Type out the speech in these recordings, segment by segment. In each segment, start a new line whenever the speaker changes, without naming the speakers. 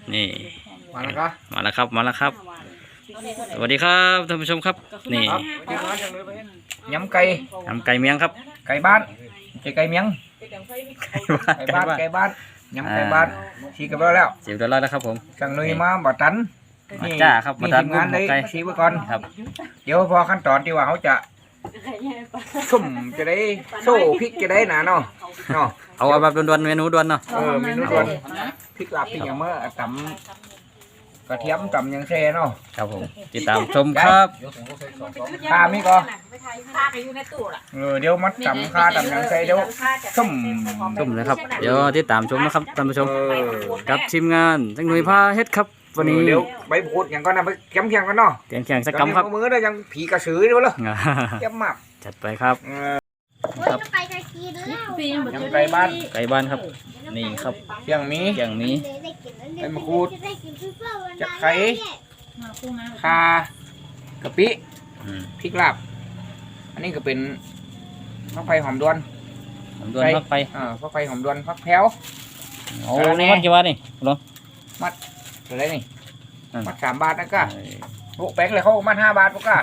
นี่
มาแล้วก็
มาแล้วครับมาแล้วครับสวัสดีครับท่านผู้ชมครับนี่
ยำไก่
ทำไก่เมียงครับ
ไก่บ้านไก่เมียง
ไก่บ้าน
ไก่บ้านยำไก่บ้านชี้กันแล้ว
เสียบแล้วนะครับผม
สั่งนุยมาบ่ตัน
มาจ้าครับมาตัน
งานเลย
ไก่
ชี้ไว้ก่อน
ครับ
เดี๋ยวพอขั้นตอนที่ว่าเขาจะสุ่มจะได้โซ่พริกจะได้หนาเนาะ
เอาแบบด่วนๆเมนูด่วนเนาะ
เมนูด่วนพริกลาบพริกอย่างเมื่อตำกระเทียมตำยังแซ่เนาะ
ครับผมติดตามชมครับ
ข้ามีก็เดี๋ยวมัดตำข้าตำยังแซ่เดี๋ยวสุ่ม
เลยครับเดี๋ยวติดตามชมนะครับท่านผู้ชมกับทีมงานจังหน่วยพาเฮ็ดครับวันนี้
เดี๋ยวใบพูดอย่างก็นำไปแข็งกันเนาะ
แข่งสักกำครับ
มือได้ยังผีกระสือด้วยเหรอเยี่ยมมาก
จัดไปครับ
ครับไก่บ้าน
ครับนี่ครับ
อย่างมีใบมะกรูดจะไข่ข่ากะปิพริกลาบอันนี้ก็เป็นฟักไฟหอมดวน
พักไป
ฟักไฟหอมดวนฟักแพ้ว
โอ้นี่มัดกี่บาทนี่ลง
มัดอะไรนี่มัด3 บาทนะก้าโอ้แป้งเลยเขามัด5 บาทปุ๊กก้า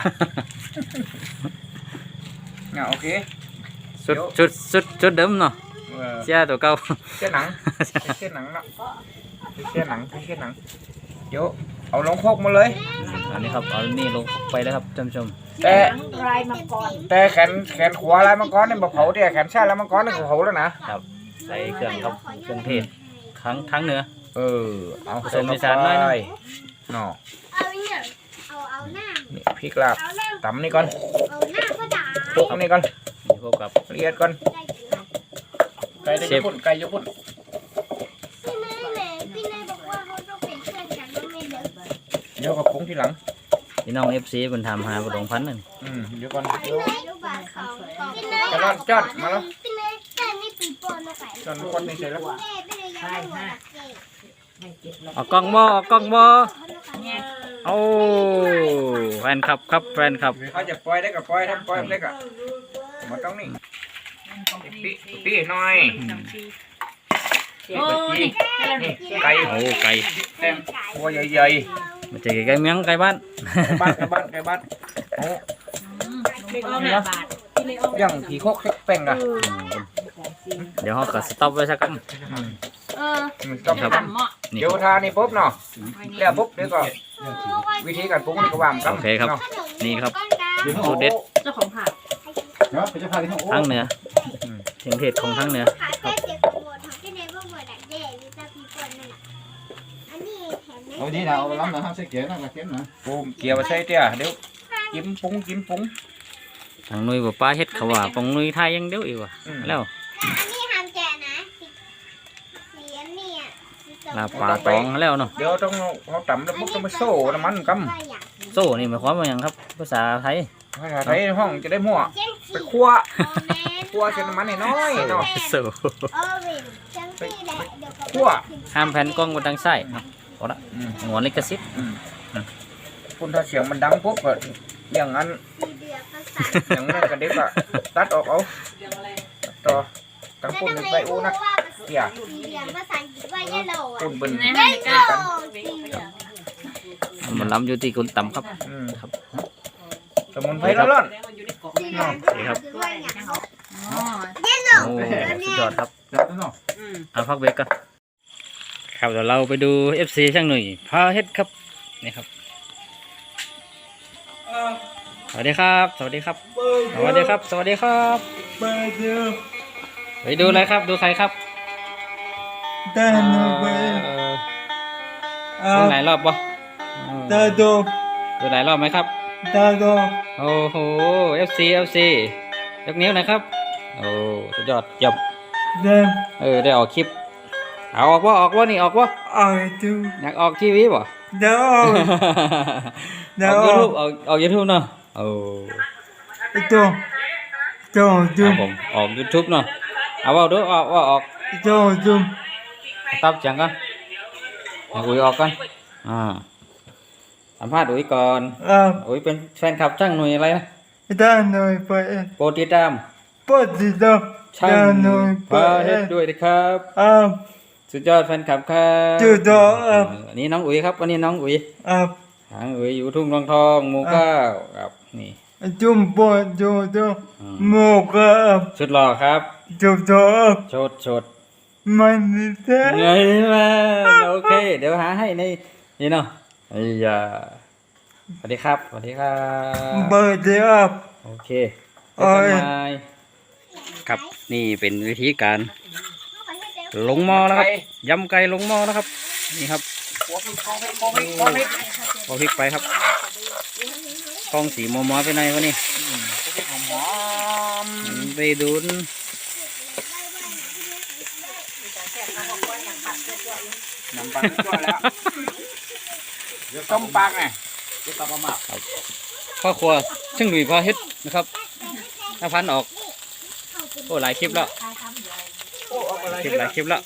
โอเค
ชุดเดิมเนาะเสื้อตัวเก่า
เสื้อหนังเนาะเสื้อหนังเดี๋ยวเอาลงโคกมาเลย
อันนี้ครับเอานี่ลงไปแล้วครับท่านผู้ชม
แต่แขนขวาลายมังกรเนี่ยมาเผาเดี๋ยวแขนซ้ายลายมังกรเนี่ยเผาแล้วนะครับ
ใส่เครื่องครับเครื่องเทศทั้งเนื้อ
เอา
ผสมในจานหน่อย
เนาะ
เอาหน้า
นี่พริกลาบตำนี่ก่อน
เอาหน้าก็ด่า
คลุกนี่ก่อน
นี่พวกกับ
ละเอียดก่อนไก่ญี่ปุ่น
พี่เนยบอกว่าเขาต้องเป็นเพื่อนกันไม่เด้อ
เดี๋ยวกับผงทีหลัง
พี่น้อง FC เป็นทำหาประดงพันธุ์นั่น
เดี๋ยวก่อน
พี่เนยรู้บ้านเขา
กระดอนจอดมาแล้ว
พี่เนยแต่นี่ปีโป้มาใส่
จอดคนนี่เสร็จแล้ว
พี่เนยยังไม่หมด
เอากล้องบ่เอาแฟนคลับ
เขาจะปล่อยได้กับปล่อยทำปล่อยได้กับมาต้องนี่ปีหน่อยไก่แต้มหัวใหญ่
ๆมันจะไก่เมียงไก่บ้าน
โอ้ยังผีโคกแป้งอะ
เดี๋ยวเขาก็สต็อปไว้สักกัน
เดี๋ยวทานี่ปุ๊บเนาะแล้วปุ๊บเดี๋ยวก็วิธีการปรุงนี่ก็วางกัน
โอเคครับนี่ครับสูตรเด็ด
เจ้าของผัก
ทั้งเนื้อถึงเทศของทั้งเนื้อ
เอาดีนะเอาล้ำนะห้ามใส่เกลือนะเกลือนะปูเกี่ยวใส่เตี้ยเดี๋ยวจิ้มปรุง
ทางนุ้ยบอกป้าเฮ็ดเขาว่าปองนุ้ยไทยยังเดี๋ยวอีกว่ะแล้วลาปลาตองแล้วเนาะ
เดี๋ยวต้องเขาตำแล้วปุ๊บต้องไปโซ่น้ำมันก
ำโซ่นี่หมายความว่าอย่างครับภาษาไทย
ห้องจะได้มั่วไปคั่วเส้นน้ำมันน้อยเนาะ
โซ่
คั่ว
ห้ามแผ่นกล้องบนทางซ้ายพอละหัวลิขสิทธิ์
คุณถ้าเสียงมันดังปุ๊บก็อย่างนั้นกันเด็กอะตัดออกเอาต่อตั้งปุ่นไปอู้นักเกี่ยปุ่นบึน
มันล้ำอยู่ที่คุณต่ำครับ
สมุนไพรร้อน
นี่ครับโอ้สุดยอดครับเอาพักเบรกกันครับเดี๋ยวเราไปดู FC ช่างหน่อยพาเฮ็ดครับนี่ครับสวัสดีครับไปดูอะไรครับดูใครครับดูหลายรอบปะดูหลายรอบไหมครับโอ้โห FC ยกนิ้วนะครับโอ้สุดยอดจบได้ออกคลิปออกว่านี่ออกว่าอยากออกทีวีป่ะออก YouTube เนาะโอ้ผมออก YouTube เนาะเอาว่าดูออกตับจังกันอุ้ยออกกันสัมภาษณ์อุ้ยก่อนอุ้ยเป็นแฟนคลับช่างหน่วยอะไรนะโปรติดตามช่างหน่วยพาเฮ็ดด้วยนะครับสุดยอดแฟนคลับครับสุดยอดอันนี้น้องอุ๋ยครับอันนี้น้องอุ๋ยหางอุ๋ยอยู่ทุ่งทองทองหมู่เก้าครับนี่จุ่มปอดจุ่มหมู่เก้าสุดหล่อครับจุ่มชดมันนี่แท้ไงมาโอเคเดี๋ยวหาให้ในนี่เนาะไอ้ยาสวัสดีครับสวัสดีครับเบอร์เดียวโอเคเจอกันใหม่ครับนี่เป็นวิธีการลงหม้อแล้วครับยำไก่ลงหม้อนะครับนี่ครับพอพริกไปครับกล้องสีมัวๆไปไหนวะนี่ไปดูน
น้ำปลาตัวแล้วเดี๋ยวต้มปลาไงเดี๋ยวต้มมาก
พ่อครัวช่างหนุ่ยพอเฮ็ดนะครับถ้าพันออกโอ้หลายคลิปแล้วหลายคลิปแล้ว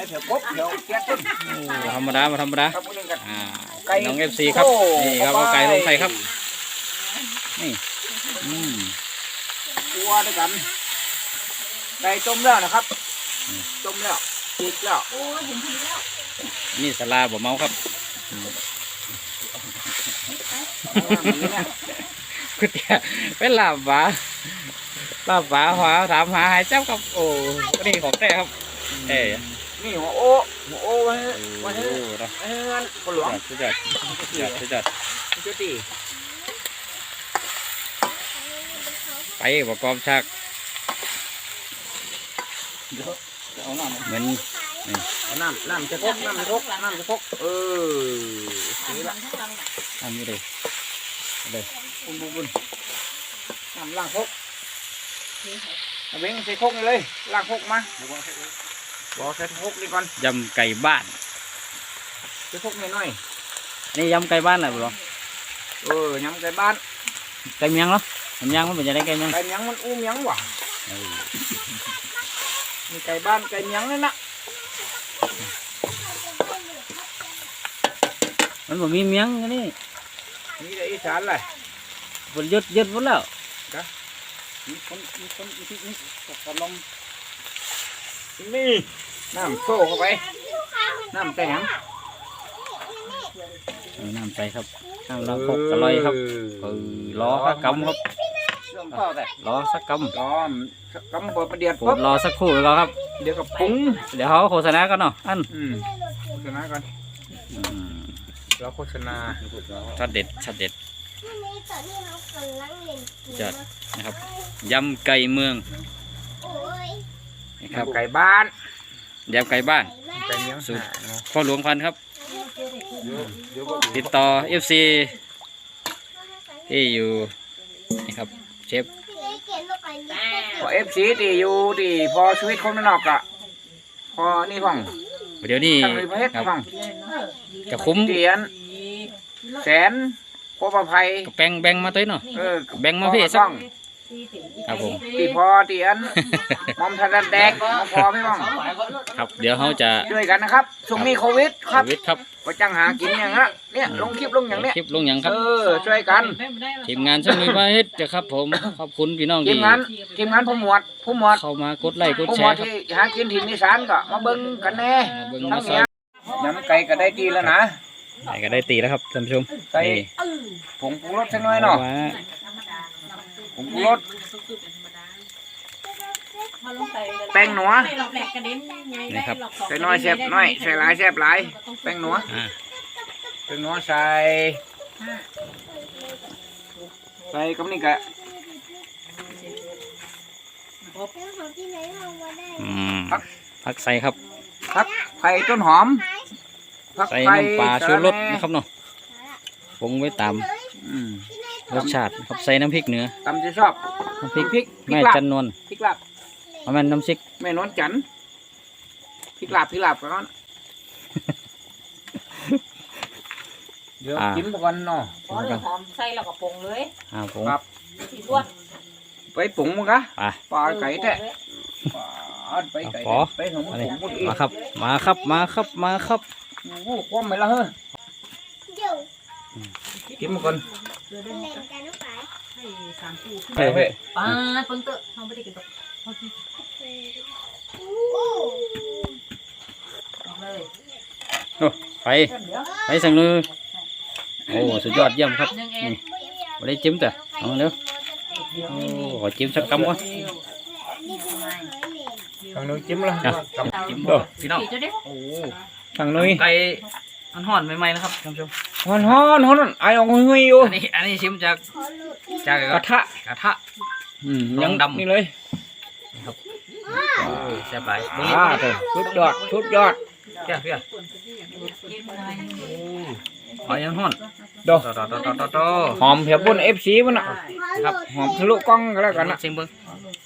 ธรรมดามาธรรมดาน้องFCครับนี่ครับเอาไก่ลงใส่ครับนี่
ตัวด้วยกันไก่ต้มแล้วนะครับต้มแล้วจีบแล้ว
นี่สลาบ่เมาครับคุณเตี๋ยเป็นลาบหวาถามหาหายเจ้าครับโอ้นี่ของแท้ครับ
นี่หัวโอ้ไว้คนหลวง
สุดยอดไปประกอบฉากเหมือน
น้ำจะพกนี่ละ
อันนี้เลย
บุญน้ำล้างพกเว้งใส่พกนี่เลยล้างพกมาบอกใส่พกนี่ก่อน
ยำไก่บ้าน
ใส่พกน้อย
นี่ยำไก่บ้านอะไรบ้าง
ยำไก่บ้าน
ไก่เมียงเหรอไก่เมียงมันเป็นยังไงไก่เมียง
มันอู้เมียงว่ะมีไก่บ้านไก่เมียงนั่นนะ
มันบอกมีเมียงนี่
ได้อีสานเลย
ฝนยึดหมดแล้ว
มีคนตกลงนี่น้ำโซ่เข้าไปน้ำใส่หยัง
น้ำใส่ครับน้ำล้างพกอร่อยครับล้อสักกำครับล้อสักกำ
เปิดประเดี๋ยว
ปุ๊บรอสักครู่ก่อนครับ
เดี๋ยวกับปุ้ง
เดี๋ยวเขาโฆษณากันเนาะ
โฆษณากันเราโฆษณา
ช็อตเด็ดจัดนะครับยำไก่เมือง
นะครับไก่บ้าน
ยำไก่บ้านสูตรพ่อหลวงพันครับติดต่อ FC ที่อยู่นี่ครับเชฟ
พอ FC ที่อยู่ที่พอชีวิตคนนอกอะพอนี่ฟัง
เดี๋ยวนี้
ครับ
จะคุ้ม
เตียนแสนพอประภัย
แบ่งมาตัวเนาะแบ่งมาพี่สักครับผม
ตีพอเตียนมอมทันแดกพอไม่บ้าง
ครับเดี๋ยวเขาจะ
ช่วยกันนะครับช่วงนี้โควิดครับ
ครับ
ก็จังหากินอย่างนี้เนี่ยลงคลิปลงอย่างเนี้ย
คลิปลงอย่างครับ
ช่วยกัน
ทีมงานช่วยมาเฮ็ดจะครับผมขอบคุณพี่น้อง
ทีมงานผู้หมวด
เข้ามากดไลค์กดแชร์ครับ
ที่หากินถิ่นอีสานก็มาเบิ่งกันแน่ทั้งเนี้ยยำไก่ก็ได้ตีแล้วนะ
ไก่ก็ได้ตีแล้วครับท่านผู้ชม
ใส่ผงปรุงรสสักหน่อยเนาะผงปรุงรสแป้งหนัว
นี่ครับ
ใส่น้อยแซ่บน้อยใส่หลายแซ่บหลายแป้งหนัวใส่กับนี่กะ
ผักใส่ครับ
ผักไผ่ต้นหอม
ใส่น้ำปลาชูรสนะครับเนาะปรุงไว้ตามรสชาติครับใส่น้ำพริกเนื้อ
ตำจะชอบ
น้ำพริกแม่จันนวล
พริกลาบ
มันน้ำซิก
แม่นวลจันพริกลาบก่อนเดี๋ยวกินก่อนเนาะ
หอมใส่แล้วก็ปรุงเลย
ปรุง
ไปปรุงมั้งกะปลาไก่แท้ไปหนุ่ม
มาครับ
โอ้คว่ำไปแล้วเฮ้ยกินมาก่อน
ไปเพิ่งเตะเขาไม่ได้กินตก
โอ้ไปไปสั่งเลยโอ้สุดยอดเยี่ยมครับ
หนึ่งเอ็
นี่
น
ไม่ได้จิ้มแต่เอาเร็วโอ้ขอจิ้มสักคำวะ
ทางนู้นจิ้มละ
จิ้มบ่พี่น้อง
สี่จะได้
โอ้
ทางนู้น
ไก่ห่อนๆใหม่ๆนะครับท่านผู้ชม
ฮ้อนไอออกงุยอยู่
อันนี้ชิมจาก
ขอหลุด
จาก
กระทะ
กระทะ
ยัง
ลองดำ
นี่เลย
โอ้ยแซ่บหลายเบิ่ง
เถอะชุดยอดชุดยอด
เพี้ยเพี้ย
กินหน่อย
โอ้ยยังห่อน
ดอก
ต่อ
หอมเพียบปุ่น FC มันน่ะ
ครับ
หอมทะลุกล้องก็แล้วกันนะ
ชิมเบิ่ง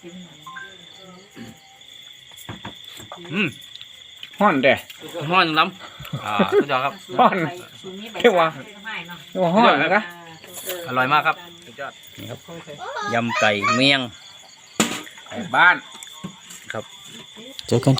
ฮ้อนแต่
ห่อนล้ำสุดยอดครับ
ฮ้อน
ชูนี้ใบ
เรียกว่า
ให้เนาะ
นี่ว่าฮ้อนนะ
อร่อยมากครับสุดยอดนี่ครับยำไก่เมี่ยง
ไก่บ้าน
ครับ
เจอกัน